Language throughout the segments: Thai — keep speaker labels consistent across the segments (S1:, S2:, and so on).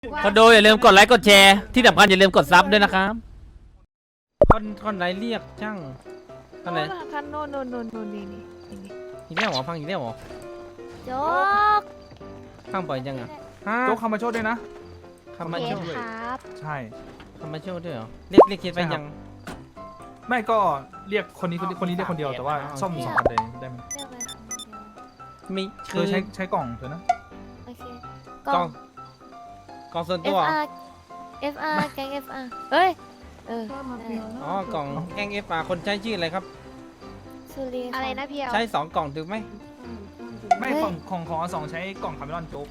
S1: คนดูอย่าลืมกดไลค์กดแชร์ที่สำคัญอย่าลืมกดซับด้วยนะครับคนไหนเรียกช่างคนไหน
S2: คันโน่นนี่
S1: อีกแล้วเหรอพังอีกแล้วเหรอ
S2: โจ๊ก
S1: พังบ่อยจังอ่ะฮะ
S3: โจ๊กคำมาโชดด้วยนะ
S1: คำมาโชว์
S2: ครับ
S3: ใช่
S1: คำมาโชว์ด้วยเหรอเรียกเคสไปยัง
S3: ไม่ก็เรียกคนนี้เรียกคนเดียวแต่ว่าซ่อมสองคันเลยได้ไหม
S2: เรียกอะไรครับ
S1: มี
S3: เธอใช้กล่องเธอนะ
S2: โอเค
S1: กล่องส่วนตัว
S2: FR แกง FR เฮ้ย
S1: อ๋อกล่องแกงคนใช้ชื่ออะไรครับ
S2: สุรีอะไรนะพี่
S1: ใช้2 กล่องถูกไหม
S3: ไม่ของสองใช้กล่องคาร์เมลอนโจ๊ก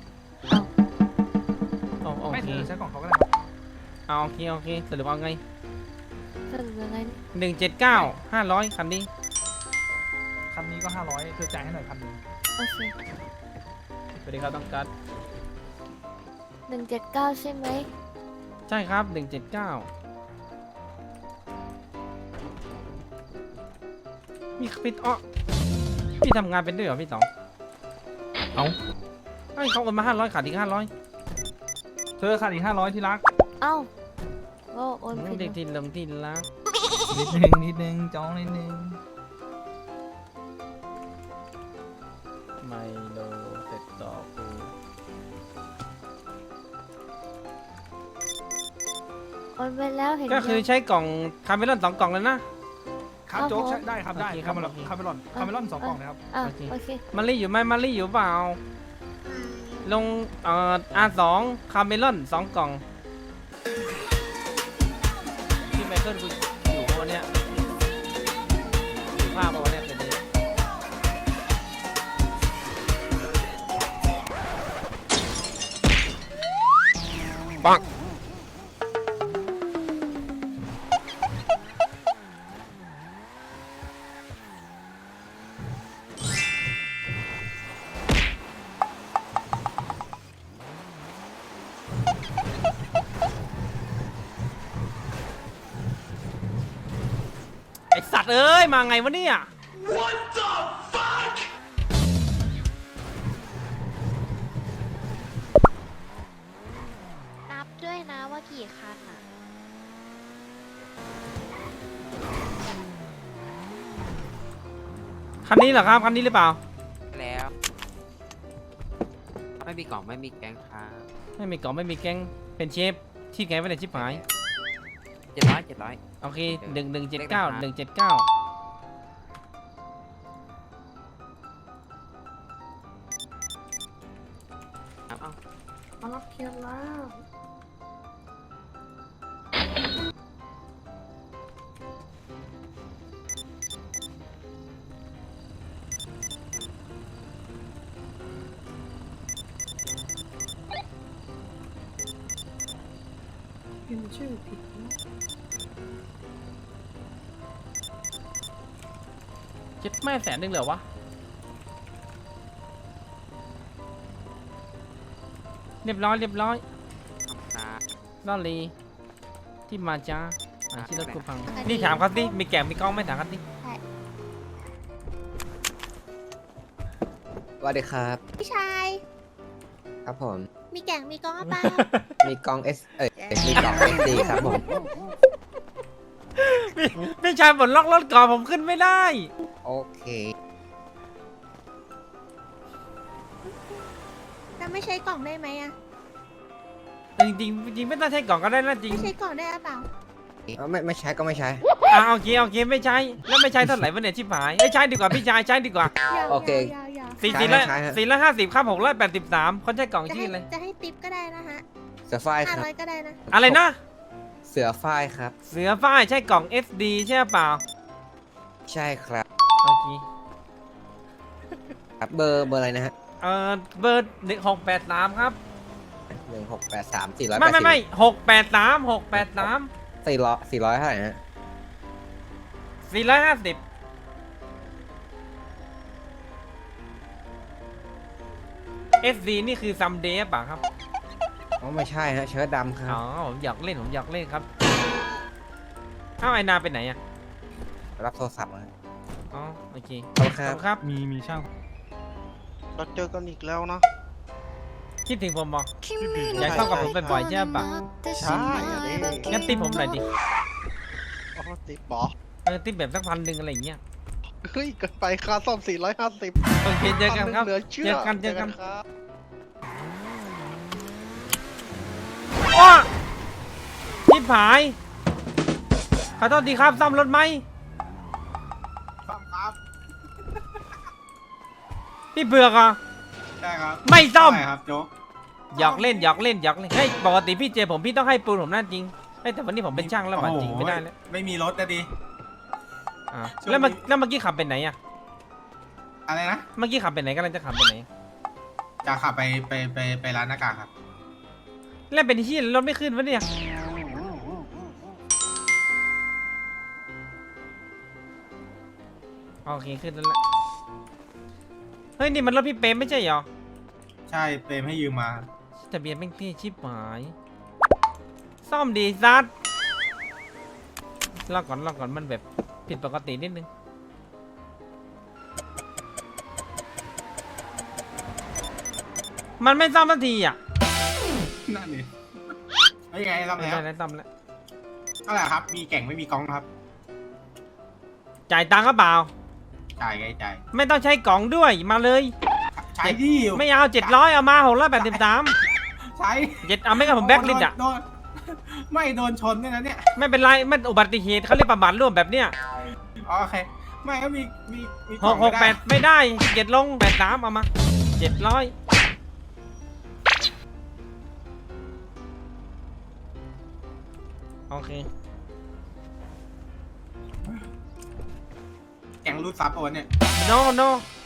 S1: โอ
S3: ไม่
S1: เค
S3: เธอใช้กล่องเขาก็ได้
S1: เอาโอเคสรุปเอาไง
S2: สรุปยังไง
S1: 179 500คันนี้
S3: คันนี้ก็500เธอจ่ายให้หน่อย1,000
S2: โอเค
S1: สวัสดีครับต้องการ
S2: 179ใช่ไหม
S1: ใช่ครับ179มีพี่พี่ทำงานเป็นด้วยเหรอพี่ต๋อง
S3: เอา
S1: เฮ้ยเขาโอนมา500ขาดอีก500
S3: เธอขาดอีก500ที่รัก
S2: เอ้าโอ้โอนผิด
S1: เด็กที่ลมที่รัก
S3: นิดนึงจ้องนิดนึง
S1: ไมโลเสร็จต่อกู
S2: โอนไปแล้วเห็น
S1: ก็คือใช้กล่องคาร์เมลอน2 กล่องแล้วนะครับ
S3: โจ๊กใช้ได้ครับได้
S1: โอเคค
S3: คา
S1: รับ
S3: ร์เมลอนคาร์เมลอน2กล่องนะครับ
S2: อ่ะโอเค
S1: มารี่อยู่ไหมมารี่อยู่เปล่าลงR2 คาร์เมลอน2 กล่องพี่ไมเคิลกูอยู่ปะวะเนี่ยอยู่ภาพปะวะเนี่ยเป็นนี้ปังไอสัตว์เอ้ยมาไงวะเนี่ย
S2: นับด้วยนะว่ากี่คันอ่ะ
S1: คันนี้เหรอครับคันนี้หรือเปล่า
S4: แล้วไม่มีกล่องไม่มีแกงครับ
S1: ไม่มีกล่องไม่มีแก๊งเป็นเชฟที่ไงไม่ได้ชิบหาย
S4: 700
S1: โอเค
S4: เดี๋ยว
S1: 1179 179
S4: เอา
S2: มารับเคียร์แล้ว
S1: เจ็ดแม่100,000เหรอวะเรียบร้อย
S4: ครับ
S1: ลอลีที่มาจ้าที่รถกูพังนี่ถามเขาสิมีแก่มีกล้องไหม่ถามเขาสิ
S5: สวัสดีครับ
S6: พี่ชาย
S5: ครับผม
S6: มีแก่งมีกองหรือเปล่า
S5: มีกล้องมีกล้องเอสดีครับผม
S1: พี่ชายบนล็อกรถก่อนผมขึ้นไม่ได้
S5: โอเค
S6: แล้วไม่ใช้กล่องได้ไหมอะ
S1: จริงไม่ต้องใช้กล่องก็ได้นะจริง
S6: ไม่ใช้กล่องได้หรือเปล่า
S5: ไม่ใช้ก็ไม่ใช้
S1: โอเคไม่ใช้แล้วไม่ใช้เท่าไหร่วะเนี่ยชิบหายไม่ใช้ดีกว่าพี่ชายใช้ดีกว่า
S5: โอเค
S6: อย่า
S1: สี่
S5: ใช้
S1: สี่ร้อย
S5: ใช้ฮะ
S1: 450ครับ683คนใช้กล่อง
S6: จะ
S1: ชื่
S6: ให้
S1: ออะไร
S6: จะให้ติปก็ได้นะฮะ
S5: เสือฝ้ายครับ
S6: 500ก็ได้นะ
S1: อะไรนะ
S5: เสือฝ้ายครับ
S1: เสือฝ้ายใช่กล่อง SD ใช่เปล่า
S5: ใช่ครับ
S1: โอเค
S5: ครับเบอร์อะไรนะฮะ
S1: เบอร์1683ครับ
S5: 1683 480
S1: ไม่683
S5: 400เท่าไหร่นะฮะ
S1: 450 SD นี่คือซัมเดย์ป่ะครับ
S5: อ๋อไม่ใช่ฮะเชิ้ตดำครั
S1: อ๋
S5: บ
S1: อผมอยากเล่นครับเอ้าไอนาไปไหนอ่ะ
S5: รับโทรศัพท์มา
S1: อ๋อโอเค
S5: ขอบคุณครับ
S1: ครับ
S3: มีช่าง
S7: เราเจอกันอีกแล้วนะ
S1: คิดถึงผมบอกอยากเข้ากับผมบ่อยๆใช่ปะ
S7: ใช่อันนี้
S1: งั้นติปผมหน่อยดิ
S7: อ๋อติดบอ
S1: ติปแบบสัก1,000อะไรอย่างเงี้ย
S7: เฮ้ยเกินไปค่าซ่อม450
S1: โอเคเจอกันครับ
S7: เหลือเชื่อ
S1: เจอกัน
S7: ครับ
S1: ว้าชิบหายขอโทษทีครับซ่อมรถไหม
S3: ซ่อมครับ
S1: พี่เบือกอ่ะ
S3: ใช่ครับ
S1: ไม่ซ่อม
S3: ใช่ครับโจ๊ก
S1: หยอกเล่นเฮ้ยปกติพี่เจผมพี่ต้องให้ปูนผมนั่นจริงเฮ้ยแต่วันนี้ผมเป็นช่างแล้วว่ะจริงไม่ได้แล้ว
S3: ไม่มีรถนะดิ
S1: อ่ะ
S3: ช่วงนี้
S1: แล้วเมื่อกี้ขับไปไหนอ่ะ
S3: อะไรนะ
S1: เมื่อกี้ขับไปไหนกำลังจะขับไปไหน
S3: จะขับไปร้านหน้ากากครับ
S1: แล้วเป็นที่รถไม่ขึ้นวะเนี่ยโอเคขึ้นแล้วแหละเฮ้ยนี่มันรถพี่เปรมไม่ใช่เหรอ
S3: ใช่เปรมให้ยืมมา
S1: ทะเบียนแม่งเท่ชิบหายซ่อมดีซัดรอก่อนมันแบบผิดปกตินิดนึงมันไม่ซ่อมสักทีอ่ะ
S3: นั่นนี่ไม่ไงซ่อม
S1: ไม่
S3: แล้ว
S1: ได้แล้วซ่อมแล้ว
S3: เท่าไหร่ครับ มีแก่งไม่มีกล่องครับ
S1: จ่ายตังค์ก็เปล่า
S3: จ่ายไงจ่าย
S1: ไม่ต้องใช้กล่องด้วยมาเลย
S3: ใช้ที่อยู่
S1: ไม่เอา700เอามา683
S3: ใช้
S1: เอาไม่กับผมแบ็คลิสต์อ่ะ
S3: โดนไม่โดนชนด้วยนะเนี่ย
S1: ไม่เป็นไรมันอุบัติเหตุเขาเรียกประมาทร่วมแบบเนี้ย
S3: อ๋อโอเค ไม่ก็มีกล่องไม่ได้
S1: 668ไม่ได้7ลง83เอามา700โอเค
S3: แก่งรูดซับโอนเนี่ย
S1: no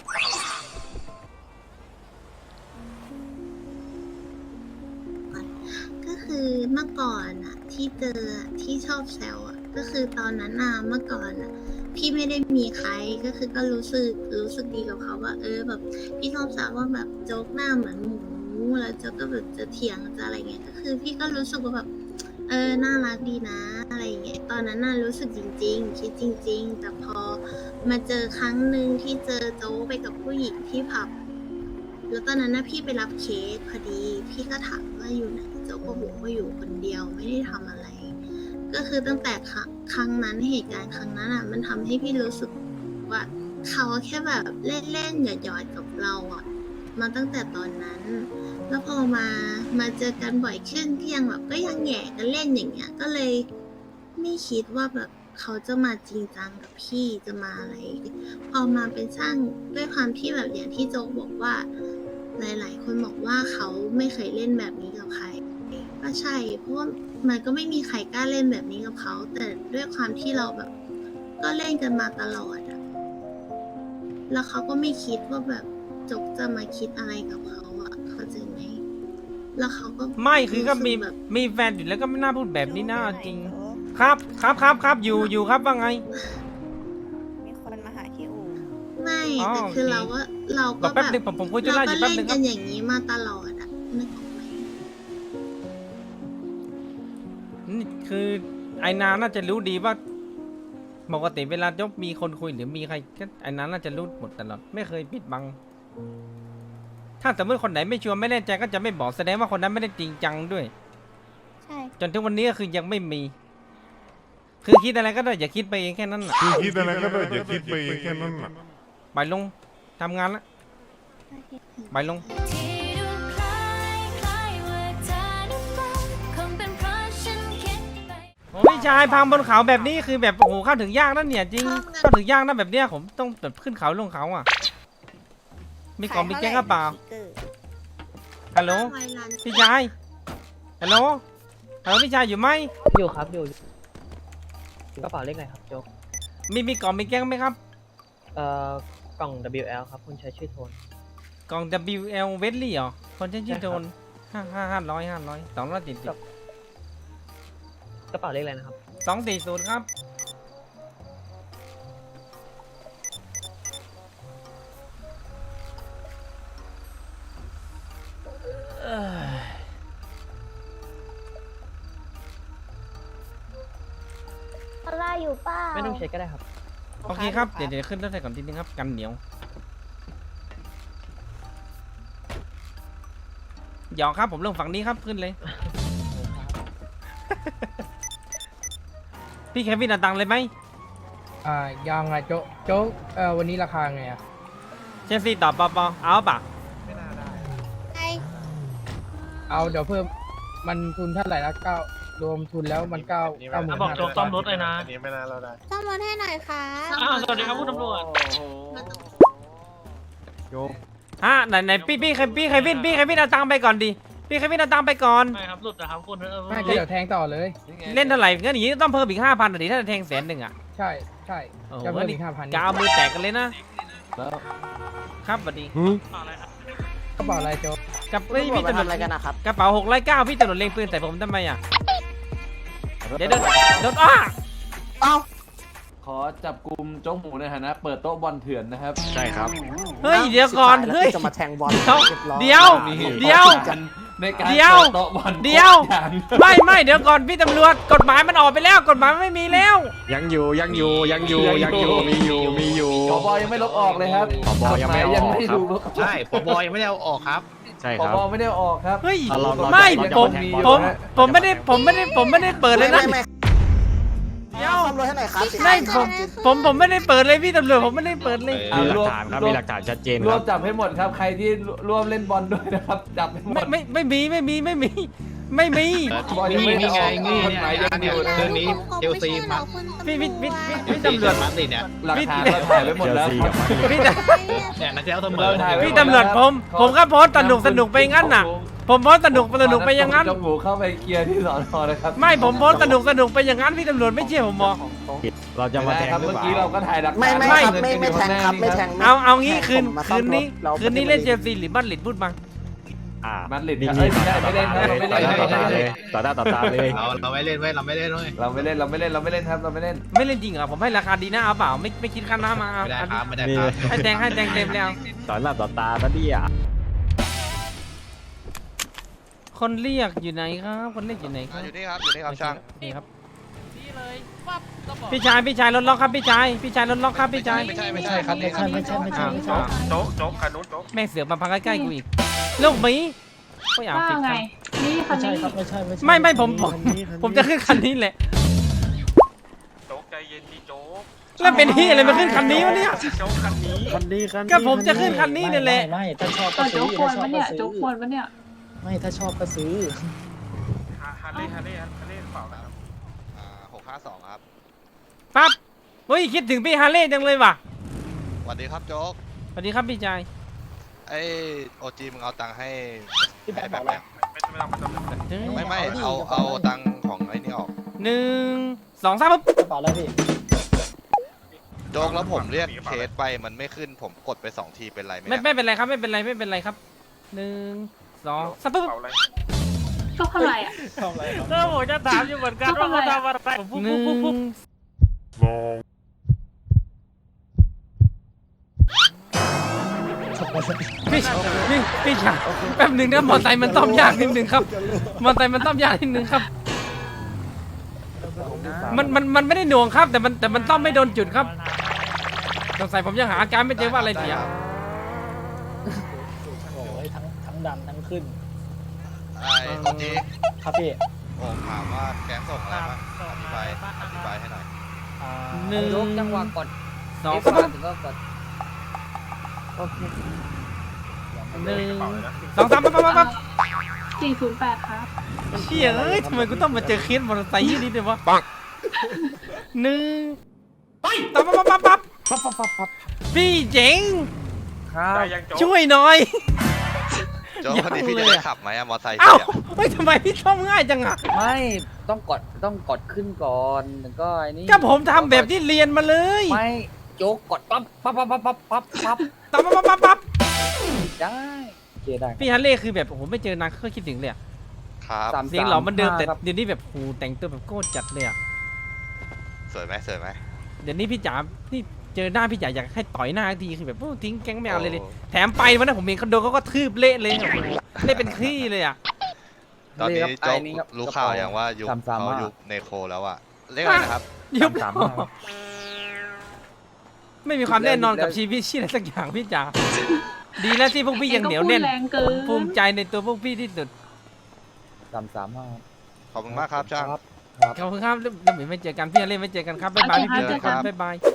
S6: ก็คือเมื่อก่อนอะที่เจออะที่ชอบแซวอะก็คือตอนนั้นอะเมื่อก่อนอะพี่ไม่ได้มีใครก็คือก็รู้สึกดีกับเขาว่าแบบพี่ชอบแซวว่าแบบโจ๊กหน้าเหมือนหมูแล้วโจ๊กก็แบบจะเถียงจะอะไรเงี้ยก็คือพี่ก็รู้สึกว่าแบบน่ารักดีนะอะไรเงี้ยตอนนั้นน่ะรู้สึกจริงๆคิดจริง ๆ แต่พอมาเจอครั้งหนึ่งที่เจอโจ๊กไปกับผู้หญิงที่ผับแล้วตอนนั้นน่ะพี่ไปรับเคสพอดีพี่ก็ถามว่าอยู่ไหนโจ๊กก็บอกว่าอยู่คนเดียวไม่ได้ทำอะไร ก็คือตั้งแต่ครั้งนั้นเหตุการณ์ครั้งนั้นอ่ะมันทำให้พี่รู้สึกว่าเขาแค่แบบเล่นๆหยอดๆกับเราอ่ะมาตั้งแต่ตอนนั้น แล้วพอมาเจอกันบ่อยขึ้นก็ยังแบบก็ยังแหย่กันเล่นอย่างเงี้ยก็เลยไม่คิดว่าแบบเขาจะมาจริงจังกับพี่จะมาอะไร พอมาเป็นช่างด้วยความที่แบบอย่างที่โจ๊กบอกว่าหลายๆคนบอกว่าเขาไม่เคยเล่นแบบนี้กับใครก็ใช่เพราะว่ามันก็ไม่มีใครกล้าเล่นแบบนี้กับเขาแต่ด้วยความที่เราแบบก็เล่นกันมาตลอดอะแล้วเขาก็ไม่คิดว่าแบบโจ๊กจะมาคิดอะไรกับเขาอะเข้าใจไหมแล้วเขาก็
S1: ไม่คือก็มี
S6: รู้สึแบบ
S1: มีแฟนอยู่แล้วก็ไม่น่าพูดแบบนี้นะจริงครับอยู่ครับว่าไง
S2: มีคนมาหาที่อู่
S6: ไม่
S1: อ๋อ
S6: แต่คือ
S1: โอเค
S6: เราก็
S1: บอก
S6: แบ
S1: แป๊
S6: บบ
S1: นึงผมคุยธุ
S6: เรา
S1: ระอ
S6: ก็
S1: ยู่แป๊บ
S6: เล่น
S1: นึงค
S6: กั
S1: รับ
S6: นอย่างนี้มาตลอดอะนึกออกไหม
S1: นี่คือไอ้นาน่าจะรู้ดีว่าปกติเวลายกมีคนคุยหรือมีใครก็ไอ้นาน่าจะรู้หมดตลอดไม่เคยปิดบัง ถ้าสมมติคนไหนไม่ชัวร์ไม่แน่ใจก็จะไม่บอกแสดงว่าคนนั้นไม่ได้จริงจังด้วย
S2: ใช่
S1: จนถึงวันนี้ก็คือยังไม่มี คือคิดอะไรก็ได้อย่าคิดไปเองแค่นั้นน่ะ
S8: คือคิดอะไรก็ได้อย่าคิดไปเองแค่นั้นน่ะ
S1: ไปลงทำงานละไปลง
S9: ที่ดูคล้ายคล้ายว่าเธอนั้นรักคงเป็นเพราะฉันคิดไป
S1: โอ้ยชายพังบนเขาแบบนี้คือแบบโอ้โหเข้าถึงยากนั่นเนี่ยจริงเข้าถึงยากนะแบบเนี้ยผมต้องแบบขึ้นเขาลงเขาอ่ะ มีกล่องมีแก้งกระเป๋าฮัลโหล
S6: ไวรัน
S1: พี่ชายฮัลโหลพี่ชายอยู่ไหม
S10: อยู่ครับอยู่กระเป๋าเลขอะไรครับโจ๊ก
S1: มีกล่องมีแก้งไหมครับ
S10: กล่อง WL ครับคุณใช้ชื่อโทน
S1: กล่อง WL เวสลี่เหรอคนใช้ชื่อโดน500 270
S10: กระเป๋าเลขอะไรนะครับ
S1: 240ครับ
S2: อะไรอยู่เป้า
S10: ไม่ต้องเช็คก็ได้ครับ
S1: โอเคครับเดี๋ยวขึ้นรถไฟก่อนทีนึงครับกันเหนียวหยอกครับผมเรื่องฝั่งนี้ครับขึ้นเลย พี่เควินเอาตังค์เลยไหม
S10: ยังไงโจ๊กวันนี้ราคาไงอ่ะ
S1: เชลซีตอบปอเอาปะ
S2: ไอ้
S10: เอาเดี๋ยวเพิ่มมันทุนเท่าไหร่ละรวมทุนแล้วมัน9,000
S3: บอกโจ๊กซ่อมรถเลยนะ
S7: อันนี้ไม่น่าเราได้
S2: ซ่อมรถให้หน่อยค่ะ
S3: สวัสดีครับคุณตำรวจ
S1: ฮะไหนพี่เควินเอาตังค์ไปก่อนดิพี่เควินเอาตังค์ไปก่อน
S3: ไม่ครับหลุดนะครับคุณ
S10: ไม่ก็เดี๋ยวแทงต่อเลย
S1: เล่นเท่าไหร่งั้นอย่างนี้ต้องเพิ่มอีก5,000อ่ะดิถ้าจะแทง100,000อ่ะ
S10: ใช่
S1: โอ้โห
S10: จะเพิ่มอีก5,000
S1: กาวมือแตกกันเลยนะครับสวัสดี
S10: กระเป๋าอะไรโจ๊ก
S1: กับพี่ตำรวจอะไรกันนะครับกระเป๋า609พี่ตำรวจเล็งปืนแต่ผมทำไมอ่ะเดี๋ยวโดน
S11: ขอจับกลุ่มโจ๊กหมูในฐานะเปิดโต๊ะบอลเถื่อนนะครับ
S8: ใช่ครับ
S1: เฮ้ยเดี๋ยวก่อนเฮ้ย
S5: จะมาแทงบอล
S1: เดี๋ยว
S11: ในการ
S1: เดี๋ยว
S11: เปิดโต๊ะบอล
S1: เดี๋ยว
S11: ทุกอย่าง
S1: ไม่เดี๋ยวก่อนพี่ตำรวจกฎหมายมันออกไปแล้วกฎหมายไม่มีแล้ว
S8: ยังอยู่มีอยู่
S11: ผบยังไม่ลบออกเลยครับ
S8: ผบยังไม่เอาออก
S11: ยังไม่ดู
S7: ใช่ผบยังไม่ได้เอาออกครับ
S8: ใช่
S11: ผ
S8: ครับ
S11: บไม่ได้เอาออกครับ
S1: เฮ้ย
S8: เรา
S1: ไม่
S8: เราจะ
S1: ผม
S8: แทงบอล
S1: ผมไม่ได้เปิดเลยนะเดี๋ยว
S5: ซ่อมรถให้หน่อยครับ
S1: ไม่ผมไม่ได้เปิดเลยพี่ตำรวจผมไม่ได้เปิดเลย
S11: อ่ะ
S8: มีหลักฐานครับมีหลักฐานชัดเจน
S11: ร
S8: คว รั
S11: ม
S8: บ
S11: จับให้หมดครับ ใครที่ร่วมเล่นบอลด้วยนะครับ จับให้หมด
S1: ไม่มี
S11: บอลยังไม่ได้ออก
S7: นี่ไง
S11: กฎหมายยังอยู่
S7: เรื่องนี้เชลซีมา
S1: พี่ตำรวจ
S7: มาติดเนี่ย
S11: หลักฐานเราถ่ายไว้หมดแล้วครับ
S1: พี่
S7: เนี่ยนักเจ้าเสม
S11: เรา
S7: อ
S11: ถ่ายไว้
S1: พี่ตำรวจผมก็โพสต์สนุกไปงั้นน่ะ ผมโพสต์สนุกไปอย่างนั้น
S11: โจ๊กหมูเข้าไปเคลียร์ที่สอนอนะครับ
S1: ไม่ผมโพสต์สนุกไปอย่างนั้นพี่ตำรวจไม่เชื่อผมบอก
S8: เราจะมาแทง
S11: ครับ
S8: หรือ
S11: เมื่อ
S8: เปล่า
S11: กี้เราก็ถ่ายหลักฐาน
S5: ไม่แทงครับไม่แทง
S1: เอางี้คืนนี้เล่นเชลซีหรือมาดริดพูดมา
S11: มันหลิด
S8: นิ่ง
S11: เอ้ยไม่ได้ครับเราไม่เล่น
S8: ต่อหน้าต่อตาเลย
S7: เราไม่เล่นเว้ยเราไม่เล่นเว้ย
S11: เราไม่เล่นครับเราไม่เล่น
S1: ไม่เล่นจริงเหรอผมให้ราคาดีนะเอาเปล่าไม่คิดค่าน้ำมาเอา
S7: ไม่ได้
S1: เอา
S7: ครับไม่ได้ครับ
S1: ให้แดงเต็มแล้ว
S8: ต่อหน้าต่อตาตะเดีย
S1: คนเรียกอยู่ไหนครับคนเรียกอยู่ไหนครับ
S7: อยู่นี่ครับช่าง
S1: นี่ครับพี่ชายรถล็อกครับพี่ชายรถล็อกครับพี่ชาย
S7: ไม่ใช่ครับไม่ใช่
S3: โจ๊กคันนู้นโจ๊ก
S1: แม่งเสือกมาพังใกล้ๆกูอีกลูกหมีก็อยากติดครับ
S10: นี่คันนี้
S1: ไม่ผมจะขึ้นคันนี้แหละ
S3: โจ๊กใจเย็นดีโจ๊ก
S1: แล้วเป็นที่อะไรมาขึ้นคันนี้วะเนี่ย
S3: โจ๊กคันนี้
S1: ก็ผมจะขึ้นคันนี้นี่แหละ
S10: ไม่ถ้าชอบก็ซื้อโจ๊กควรปะเนี่ยโจ๊กควรปะเนี่ยไม่ถ้าชอบก็ซื้อ
S3: ฮาร์เลย์เปล่าครับ
S7: 652ครับ
S1: ปั๊บเฮ้ยคิดถึงพี่ฮาร์เลย์จังเลยว่ะ
S7: สวัสดีครับโจ๊ก
S1: สวัสดีครับพี่ชาย
S7: ไอ้โอจีมึงเอาตังค์ให้
S10: พี่แบงค์
S7: แบบ
S10: บอก
S7: แบ
S10: ว่า
S7: บไม่เอาตังค์ของไอ้นี่ออก
S1: 1 2 3ปุ๊บ
S10: กระเป๋าอะไรพี่
S7: โจ๊กแล้วผมเรียกเคสไปมันไม่ขึ้นผมกดไป2ทีเป็นไรไหม
S1: ไม่เป็นไรครับไม่เป็นไรครับ1 2 3ปุ๊บ
S9: ก็เท่าไหร่อ่ะ
S1: ก็ผมจะถามอยู่เหมือนกันว่าเขาทำอะไรผมปุ๊บพี่ชายแป๊บหนึ่งนะมอไซค์มันต้อมยากนิดนึงครับมอไซค์มันต้อมยากนิดนึงครับมันไม่ได้หน่วงครับแต่มันต้อมไม่โดนจุดครับสงสัยผมยังหาอาการไม่เจอว่าอะไรเสีย
S10: โอ้ยทั้งดำทั้งขึ้น
S7: ไอ้โอจี
S10: ครับพี่
S7: ผมถามว่าแก๊งส่งอะไรบ้างอธิบายให้หน่อย
S1: 1
S10: จังหวะกด
S1: 2 3
S10: ก็กด
S1: 1 2 3ปั๊บ
S9: 408 ครับ
S1: เชี่ยเอ้ยทำไมกูต้องมาเจอเคสมอเตอร์ไซค์ยี่นี่ด้วยวะปังปั๊บพี่เจ๋ง
S10: ครับ
S1: ช่วยหน่อย
S7: โจ๊กพอดีพี่จะได้ขับไหมอะมอไซค์
S1: เอ้า
S7: พี่อะ
S1: เฮ้ยทำไมพี่ชอบง่ายจังอ่ะ
S10: ไม่ต้องกดขึ้นก่อนแล้วก็ไอ้นี่
S1: ก็ผมทำแบบที่เรียนมาเลย
S10: ไม่โจ๊กกดปั๊บ
S1: ปั๊บ
S10: ได้โอเคได้
S1: พี่ฮันเล่คือแบบโอ้โหไม่เจอนานก็คิดถึงเลยอะ
S7: ครับ
S1: เสียงหล่อเหมันเดิมแต่
S10: ครับ
S1: เดี๋ยวนี้แบบโหแต่งตัวแบบโคตรจัดเลยอะ
S7: สวยไหม
S1: เดี๋ยวนี้พี่จ๋านี่เจอหน้าพี่จ๋าอยากให้ต่อยหน้าทีคือแบบโอ้ทิ้งแก๊งไม่เอาเลยแถมไปวันนั้นผมเห็นคอนโดเขาก็ทืบเละเลยโอ้โหเละเป็นขี้เลยอะ
S7: ตอนนี้โจ๊กรู้ข่าวอย่างว่ายุคเขายุคเนโคแล้วอะเรียกอะไรนะครับ
S1: ยุบไม่มีความแน่นอนกับชีวิตชื่ออะไรสักอย่างพี่จ๋าดีแล้วที่พวกพี่ยังเหนียวแน่น
S2: แรงเกิ
S1: ผม
S2: น
S1: ภูมิใจในตัวพวกพี่ที่สุด
S7: ขอบคุณมากครับจ้าง
S1: ขอบคุณครับแล้วเดี๋ยวไม่เจอกันพี่อะไรไม่เจอกันครับบ๊ายบายพี่
S7: โอเคครับ
S1: บ๊ายบาย